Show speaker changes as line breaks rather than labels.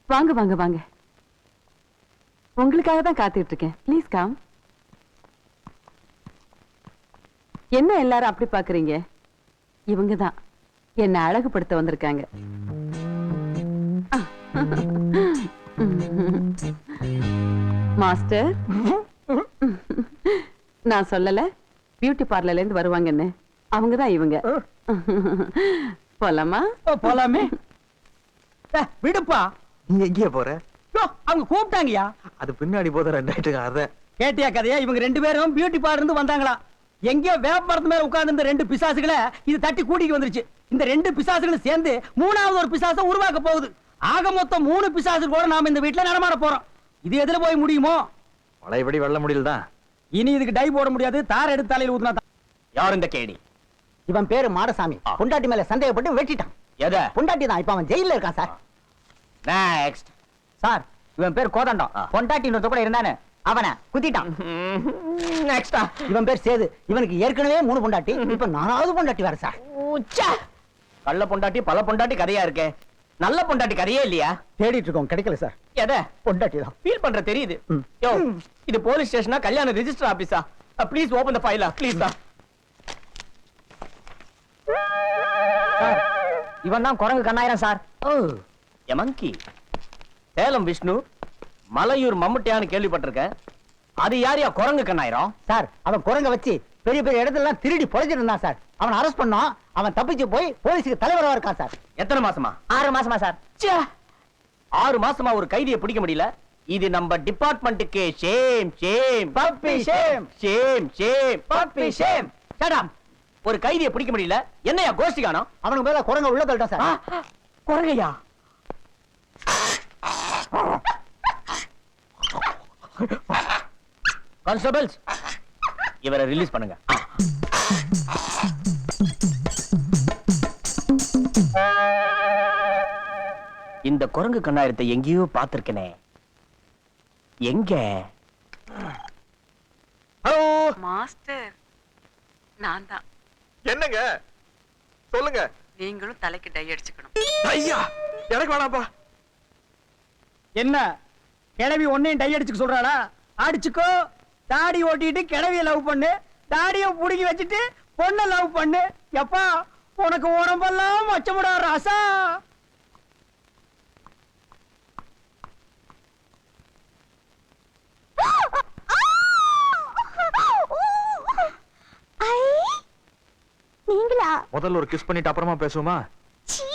வாங்க வாங்க வாங்க. உங்களுக்காக தான் காத்துட்டு இருக்கேன். Please come. என்ன எல்லாரும் அப்படி பாக்குறீங்க? இவங்க தான் என்ன அழகுபடுத்த வந்திருக்காங்க. மாஸ்டர், நான் சொல்லல பியூட்டி பார்லர்ல இருந்து வருவாங்கன்னு. அவங்கதான் இவங்க. போலாமா?
போலாமே. விடுப்பா.
நீ எங்கேயா போற?
அவங்க கூப்பிட்டாங்கயா.
அது பின்னாடி போத ரெண்டாயிட்டு அத
கேட்டியா கதையா? இவங்க 2 பேரும் பியூட்டி பார்லர் இருந்து வந்தாங்களா? எங்கேயோ வேப்பமரத்து மேல உட்கார்ந்து இந்த 2 பிசாசுகளை இது தட்டி கூட்டிட்டு வந்துருச்சு. இந்த 2 பிசாசுகளும் சேர்ந்து 3வது ஒரு பிசாசை உருவாக்க போகுது. ஆக மொத்தம் 3 பிசாசு கூட நாம இந்த வீட்டுல நடமாட போறோம். இது எதுல போய் முடியுமோ?
பழையபடி வெள்ள முடியலதான்.
இனி இதுக்கு டை போட முடியாது. தார் எடுத்து தலையில ஊத்துனா தான்.
யார் இந்த கேடி?
இவன் பேரு மாடசாமி. பொண்டாட்டி மேல சந்தேகப்பட்டு வெட்டிட்டான்.
எத?
பொண்டாட்டி தான். இப்ப அவன் ஜெயில இருக்கான் சார்.
நெக்ஸ்ட்.
சார், இவன் பேர் கோதண்டம். பொண்டாட்டி கூட இருந்தானே, அவனை குத்திட்டான்.
நெக்ஸ்டா.
இவன் பேர் சேது. இவனுக்கு ஏற்கனவே 3 பொண்டாட்டி. இப்ப 4வது பொண்டாட்டி வேற சார்.
கள்ள பொண்டாட்டி பல பொண்டாட்டி கதையா இருக்கே. நல்ல பொண்டாட்டி கதையே இல்லையா?
தேடிட்டு இருக்கோம், கிடைக்கல சார்.
எத?
பொண்டாட்டி தான்.
ஃபீல் பண்ற தெரியுது. யோ, இது போலீஸ் ஸ்டேஷனா கல்யாண ரெஜிஸ்டர் ஆபீஸா? Please open the file. Please தான்.
இவன் தான் குரங்கு கண்ணாயிரம் சார்.
எமங்கி. சேலம் விஷ்ணு, மலையூர் மம்முட்டியான்னு கேள்விப்பட்டிருக்கேன். அது யாரையா குரங்கு கண்ணாயிரம்?
சார், அவன் குரங்க வச்சு பெரிய பெரிய இடத்துல திருடி பொழைச்சிட்டு இருந்தான் சார். அவன் அரெஸ்ட் பண்ணோம். அவன் தப்பிச்சு போய் போலீஸுக்கு தலைவரா இருக்கான் சார்.
எத்தனை மாசமா?
6 மாசமா சார்.
6 மாசமா ஒரு கைதியை பிடிக்க முடியல. இது நம்ம டிபார்ட்மெண்ட்டுக்கு shame shame
puppy shame.
Shame shame
puppy shame.
சடாம். ஒரு கைதியை பிடிக்க முடியல. என்னையா கோஷ்டி காணோம்?
அவனுக்கு மேல குரங்க உள்ள தள்ளிட்டான் சார்.
குரங்கையா? கான்ஸ்டபிள்ஸ், இவரை ரிலீஸ் பண்ணுங்க. இந்த குரங்கு கண்ணாயிரத்தை எங்கேயோ பார்த்திருக்கனே. எங்க?
ஹலோ மாஸ்டர், நான் தான்.
என்னங்க சொல்லுங்க.
நீங்களும் தலைக்கு டை அடிச்சுக்கணும்.
ஐயா, எனக்கு வேணாப்பா.
என்ன கிழவி ஒன்னையும் டை அடிச்சுக்க சொல்றாளா? அடிச்சுக்கோ. தாடி ஓட்டிட்டு கிழவிய லவ் பண்ணு. தாடிய புடுங்கி வச்சுட்டு பொண்ணை லவ் பண்ணு. எப்பா, உனக்கு உடம்பெல்லாம் மச்சமுடா ராசா.
முதல்ல ஒரு கிஸ் பண்ணிட்டு அப்புறமா பேசுவோமா?